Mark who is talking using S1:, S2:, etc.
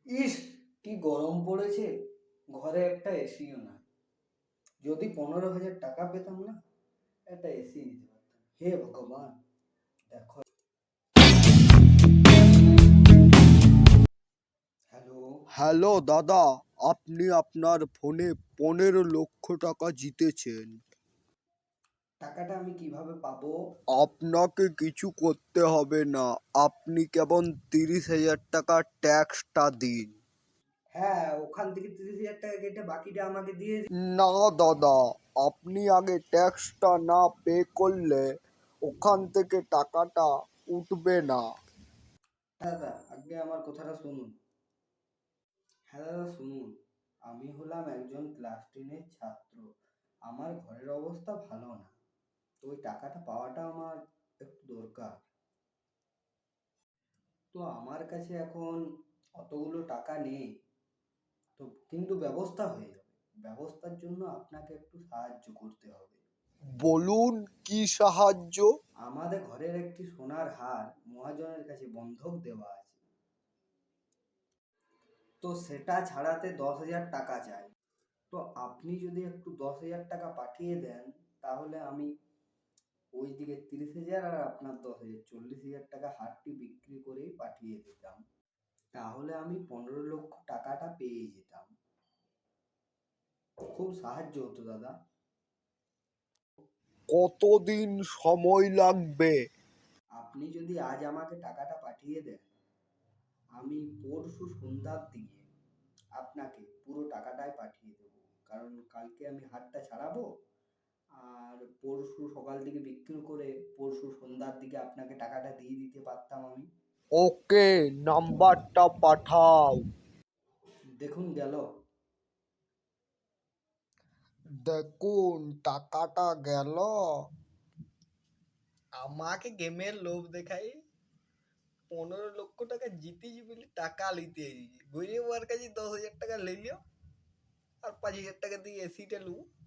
S1: ইস, কি গরম পড়েছে। ঘরে একটা এসিও না। যদি 15,000 টাকা পেতাম না, একটা এসি নিতে পারতাম। হে ভগবান, দেখো। হ্যালো।
S2: হ্যালো দাদা, আপনি আপনার ফোনে 15 লক্ষ টাকা জিতেছেন।
S1: টাকাটা আমি কিভাবে পাবো?
S2: আপনাকে কিছু করতে হবে না, আপনি কেবল 30,000 টাকা ট্যাক্সটা দিন।
S1: হ্যাঁ, ওখান থেকে 30,000 টাকা কেটে বাকিটা আমাকে দিয়ে দিন।
S2: না দাদা, আপনি আগে ট্যাক্সটা না পে করলে ওখান থেকে টাকাটা উঠবে না।
S1: দাদা, আগে আমার কথাটা শুনুন। হ্যাঁ দাদা, শুনুন। আমি হলাম একজন ক্লাস 10-এর ছাত্র। আমার ঘরের অবস্থা ভালো না। তো ওই টাকাটা পাওয়াটা আমার একটু দরকার। তো আমার কাছে এখন অতগুলো টাকা নেই। তো কিন্তু ব্যবস্থা হয়ে যাবে। ব্যবস্থার জন্য আপনাকে একটু সাহায্য করতে হবে।
S2: বলুন, কি সাহায্য?
S1: আমাদের ঘরের একটি সোনার হার মহাজনের কাছে বন্ধক দেওয়া আছে। তো সেটা ছাড়াতে 10,000 টাকা চাই। তো আপনি যদি একটু 10,000 টাকা পাঠিয়ে দেন, তাহলে আমি ওইদিকে 30,000 আর আপনার 10,000, 40,000 টাকা হারটি বিক্রি করেই পাঠিয়ে দিতাম। তাহলে আমি 15 লক্ষ টাকাটা পেয়ে যেতাম। খুব সাহায্য হতো দাদা।
S2: কতদিন সময় লাগবে?
S1: আপনি যদি আজ আমাকে টাকাটা পাঠিয়ে দেন, আমি পরশু সন্ধ্যার দিকে আপনাকে পুরো টাকাটাই পাঠিয়ে দেবো। কারণ কালকে আমি হাটটা ছাড়াবো, আর পরশু সকাল দিকে বিক্রি করে পরশু সন্ধ্যার দিকে আপনাকে টাকাটা দিয়ে দিতে পারতাম আমি।
S2: ওকে, নাম্বারটা পাঠাও।
S1: দেখুন গেল।
S2: দেখুন, টাকাটা গেল। আমাকে গেমের লোভ দেখাই 15 লক্ষ টাকা জিতেছি বলে টাকা লিতে গরিব ওর কাছে 10,000 টাকা লিলিও আর 5,000 টাকা দিয়ে এসিটা লু।